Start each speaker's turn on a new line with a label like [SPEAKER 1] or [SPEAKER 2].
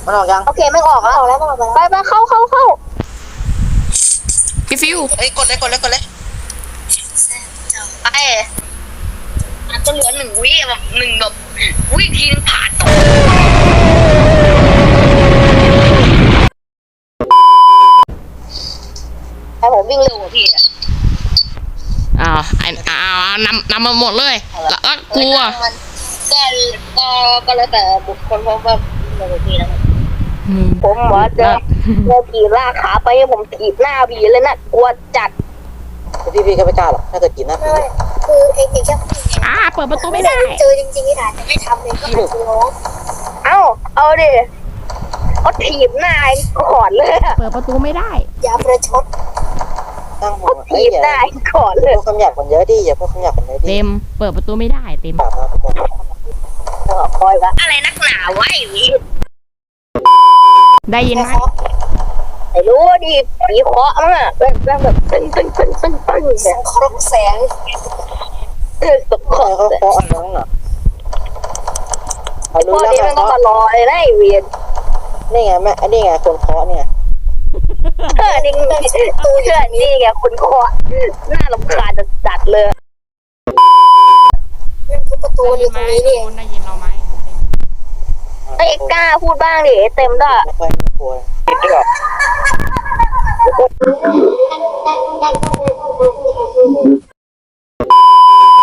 [SPEAKER 1] มันออกยัง
[SPEAKER 2] โอเคไม่ออกแล้วไปเข้า
[SPEAKER 3] พี่ฟิว
[SPEAKER 1] เฮ้ยกดเลยไป
[SPEAKER 2] อาจจะเหลือ1 วิแบบวิทีนึงผ่านแต่ผมวิ่งเร็วกว่าพี่อะ
[SPEAKER 3] นำมาหมดเลยแล้วกลัว
[SPEAKER 2] ก็แล้วแต่บุคคลเพราะว่าวิ่งเร็วกว่าพี่นะครับผมว่าจะผีลากขาไปให้ผมถีบหน้าผีเลยนะกลัวจัด
[SPEAKER 1] พี่ก็ไม่กล้าหรอกถ้าเกิดกินนะ
[SPEAKER 4] คือเองแค่
[SPEAKER 3] เปิดประตูไม่ได้
[SPEAKER 4] เจอจริงๆนี่นะแต่ไม่ทำเลยก็อาจจะร้อง
[SPEAKER 2] เอาดิเขาถีบหน้าก่อนเลย
[SPEAKER 3] เปิดประตูไม่ได้
[SPEAKER 4] อย่าประชด
[SPEAKER 1] ตั้งหัว
[SPEAKER 2] เขาถีบหน้าก่อนเลย
[SPEAKER 1] พูดคำหยาบกันเยอะดิอย่าพูดคำหยาบกันเยอะดิ
[SPEAKER 3] เต็มเปิดประตูไม่ได้เต็ม
[SPEAKER 1] ปากนะทุกคน
[SPEAKER 2] คอยวะอะไรนักหนาวะไอ้วิ
[SPEAKER 3] ได้ยินไหม
[SPEAKER 2] ไม่รู้ดิผีเคาะมั้งอะแบบตึ้ง
[SPEAKER 4] สังเคราะห์แสง
[SPEAKER 2] ตกคอ
[SPEAKER 1] เขาเคาะอันนั้นน่ะรู้
[SPEAKER 2] พวก
[SPEAKER 1] แล้ว
[SPEAKER 2] นี้มันก็มารอเลยนะไอ้เวียน
[SPEAKER 1] นี่ไงแม่นี่ไงคนเคาะเนี่ย
[SPEAKER 2] นี่ไงคนเคาะน่ารำคาญจัดเลย
[SPEAKER 4] นั่นคือประตูอยู่ตรงนี้นี่
[SPEAKER 3] ได้ยินเราไหม
[SPEAKER 2] ไอ้กล้าพูดบ้างดิเต็มด้วย
[SPEAKER 1] ไม่ค่อยกลัว